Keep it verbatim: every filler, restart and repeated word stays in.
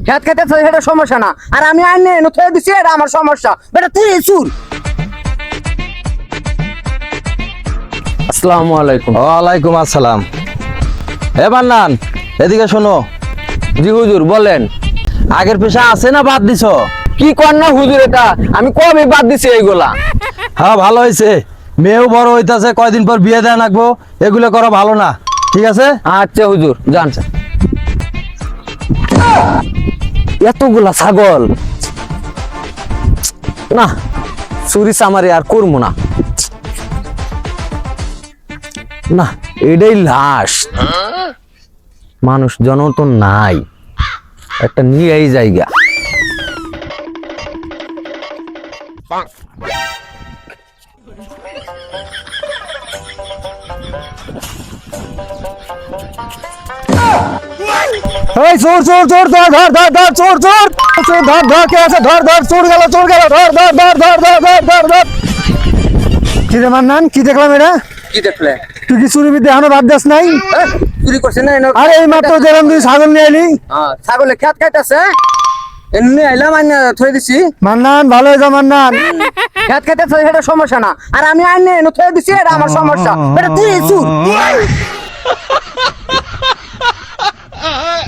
খেত খেতে সেটা সমস্যা না, আর আমি আইনে এনে থয়ে দিছি, এটা আমার সমস্যা। বেটা তুই চুর। আসসালামু আলাইকুম। ওয়ালাইকুম আসসালাম। এ মান্নান, এদিকে শোনো। জি হুজুর বলেন। আগের পেশা আছে না বাদ দিছো? কি কর না হুজুর, এটা আমি কবে বাদ দিছি এইগুলা। হ্যাঁ ভালো হয়েছে, মেয়েও বড় হইতাছে, কয়দিন পর বিয়ে দেয়া লাগবো, এগুলো করা ভালো না। ঠিক আছে? আচ্ছা হুজুর জান। এতগুলা ছাগল না, চুরি চামারি আর করবো না। না এটাই লাশ, মানুষ জন তো নাই, একটা নিয়ে এই জায়গা। এই চোর চোর চোর, ধর ধর ধর ধর, চোর চোর চোর, ধর ধর, কে আছে? ধর ধর, চোর গেল চোর গেল, ধর ধর ধর ধর ধর ধর ধর ধর। কি রে মান্নান, কি দেখলাম এটা? কি দেখলে? তুই কি চুরি বিদ্যা এখনো বাদ দাস নাই? চুরি করছে না? আরে এই মাত্র দেখলাম তুই ছাগল নিয়ে এলি। ছাগলে খেত খাইতেছে, এমনি আইলাম আইনে থয়ে দিছি। মান্নান ভালো হয়ে যা মান্নান। খেত খাইতেছে সেটা সমস্যা না, আর আমি আইনে এনে থয়ে দিছি, এটা আমার সমস্যা। বেটা তুই চুর।